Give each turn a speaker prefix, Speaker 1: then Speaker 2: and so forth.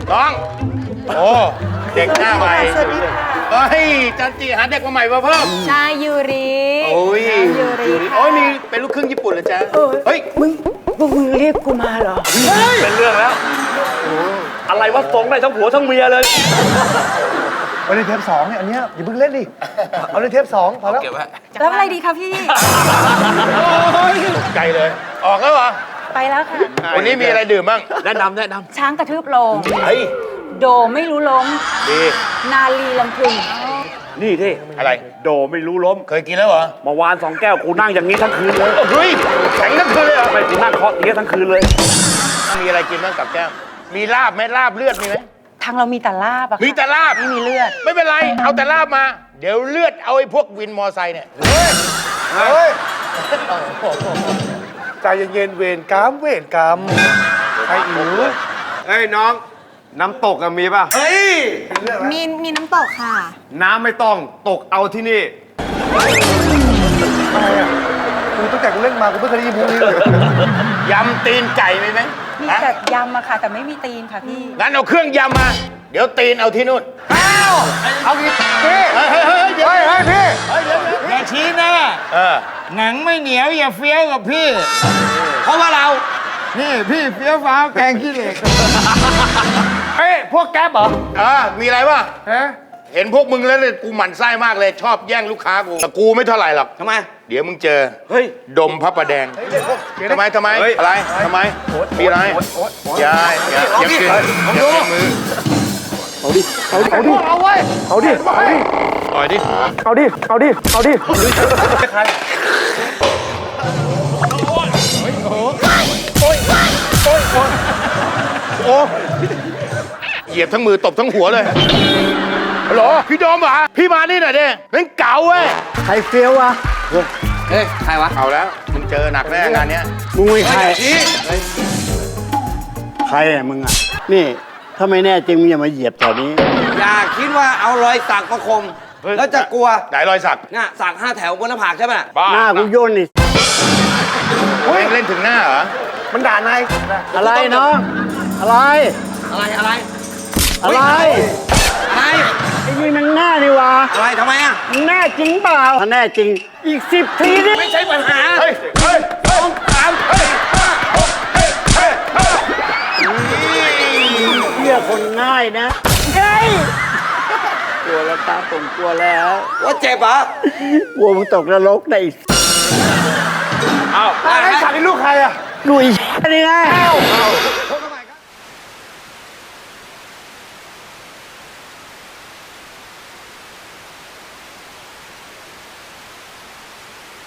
Speaker 1: น้องโอ้เด็กหน้าใหม่
Speaker 2: สวัสดีค่ะ
Speaker 1: เฮ้ยจันจีหาเด็กมาใหม่มาเพิ่ม
Speaker 2: ชายยูริ
Speaker 1: โอ้ย
Speaker 2: ยูริ
Speaker 1: โอ้ยมีเป็นลูกครึ่งญี่ปุ่นเหรอจ๊ะเฮ้ย
Speaker 2: พวกมึงเรียกกูมาเหรอ
Speaker 3: เป็นเรื่องแล้วอะไรวะฟ้องได้ทั้งผัวทั้งเมียเลย
Speaker 4: เอาในเทป2เนี่ยอันเนี้ยอย่าเพิ่งเล่นดิ เอาในเทป2พอแล้ว
Speaker 1: เก็บไว้
Speaker 2: แล้วอะไรดีคะพี่
Speaker 1: ตกใจเลย ออกแล้วเหรอ
Speaker 2: ไปแล้วค่ะ
Speaker 1: วันนี้มีอะไรดื่มบ้าง
Speaker 3: แนะนำ
Speaker 2: ช้างกระทืบโลง
Speaker 1: เฮ้ย
Speaker 2: โดไม่รู้ล้ม
Speaker 1: ดี
Speaker 2: นาลีลำพึง
Speaker 3: นี่ที่
Speaker 1: อะไร
Speaker 3: โดไม่รู้ล้ม
Speaker 1: เคยกินแล้วเหรอ
Speaker 3: เมื่อวาน2 แก้วกูนั่งอย่างนี้ทั้งคืนเลย
Speaker 1: เฮ้ยแข็งทั้งคืนเลยเหรอ
Speaker 3: ไม่กูนั่งเคาะเตี้ยทั้งคืนเลย
Speaker 1: มีอะไรกินบ้างกับแก้มมีลาบไหมลาบเลือดมีไหม
Speaker 2: ทางเรามีแต่ลาบอะค่ะ
Speaker 1: มีแต่ลาบ
Speaker 2: ไม่มีเลือด
Speaker 1: ไม่เป็นไร เอาแต่ลาบมา เดี๋ยวเลือดเอาไอ้พวกวินมอไซค์เนี่ย
Speaker 4: เฮ้ย ใจเย็นๆเวรกรรมเวรกรรมไอ้อิ๋ว
Speaker 5: เฮ้ยน้อง น้ำตกอะมีป่ะ
Speaker 4: เฮ้ย
Speaker 2: มีน้ำตกค่ะ
Speaker 5: น้ำไม่ต้องตกเอาที่นี่
Speaker 4: อะไรอ่ะกูตั้งแต่กูเล่นมากูไม่เคยได้ยินพวกนี้เลย
Speaker 1: ยำตีนไก่มีไหม
Speaker 2: มี
Speaker 1: ฮะ
Speaker 2: แต่ยำอะค่ะ แต่ไม่มีตีนค่ะพี่
Speaker 1: งั้นเอาเครื่องยำมา เดี๋ยวตีนเอาที่นู่น
Speaker 4: เอาอีกพี่
Speaker 1: เฮ้ยเฮ้ยเฮ้ยเดี๋ยว
Speaker 4: เฮ้ยเฮ้ยพี่
Speaker 6: อย่าชี้หน้า
Speaker 1: เออ
Speaker 6: หนังไม่เหนียวอย่าเฟี้ยวกับพี่ เพราะว่าเรา นี่พี่เฟี้ยวฟ้าวแกงขี้เหล็ก
Speaker 4: เฮ้ยพวกแก๊ปเหรอ
Speaker 1: มีอะไรวะ
Speaker 4: ฮะ
Speaker 1: เห็นพวกมึงแล้วเนี่ยกูหมั่นไส้มากเลย ชอบแย่งลูกค้ากู แต่กูไม่เท่าไหร่หรอก
Speaker 3: ทำไม
Speaker 1: เดี๋ยวมึงเจอ
Speaker 3: เฮ้ย
Speaker 1: ดมพระประแดง ทำไม
Speaker 5: เฮ้ย
Speaker 1: อะไร ทำไม มีอะไรอย่าอย่ากินอย่ากินมือ
Speaker 4: เอาดิ เอาไว้ เอาดิ
Speaker 1: ต่อยดิ
Speaker 4: เอาดิ เอาดิ เอาดิ
Speaker 1: โอ้เหยียบทั้งมือตบทั้งหัวเลยฮัลโหลพี่โดมเหรอพี่มานี่หน่อยดิเป็นเก๋าเว้ย
Speaker 4: ใครเฟี้ยววะ
Speaker 6: เฮ้ย ใครวะ
Speaker 1: เอาแล้วมึงเจอหนักแน่งานเนี้ย
Speaker 6: มึงไม่ใคร ใครอ่ะมึงอ่ะ นี่ ถ้าไม่แน่จริงมึงอย่ามาเหยียบแถวนี้
Speaker 7: อย่าคิดว่าเอารอยสักมาคม แล้วจะกลัว
Speaker 1: ไหนรอยสัก
Speaker 7: น่ะสัก5 แถวบนหน้าผากใช่ไหมน่ะ
Speaker 1: บ้า
Speaker 6: หน้ากูโย่นนี่
Speaker 1: เฮ้ยเล่นถึงหน้าเหรอ
Speaker 4: มันด่านาย
Speaker 6: อะไรน้อง อะไร
Speaker 7: อะไรอะไร
Speaker 6: อะไร
Speaker 7: อะไร
Speaker 6: ไอ้นี่มันหน้านี่วะ
Speaker 7: อะไรทำไมอ่ะ
Speaker 6: มันแน่จริงเปล่า ถ้าแน่จริง อีก10 ทีนี่
Speaker 7: ไม่ใช่ปัญหา
Speaker 1: เฮ้ยเฮ้ยเฮ้ยเฮ้ยเฮ้ยเฮ้ยเฮ้ย
Speaker 6: เชื่อคนง่ายนะเฮ้ยกลัวแล้วตาผมกลัวแล้ว
Speaker 7: ว่าเจ็บเหรอก
Speaker 6: ลัวมึงตกนรกได้อีก
Speaker 1: เอา
Speaker 4: ไอ้สัตว์นี่ลูกใครอ่ะ
Speaker 6: ลุยนี่ไง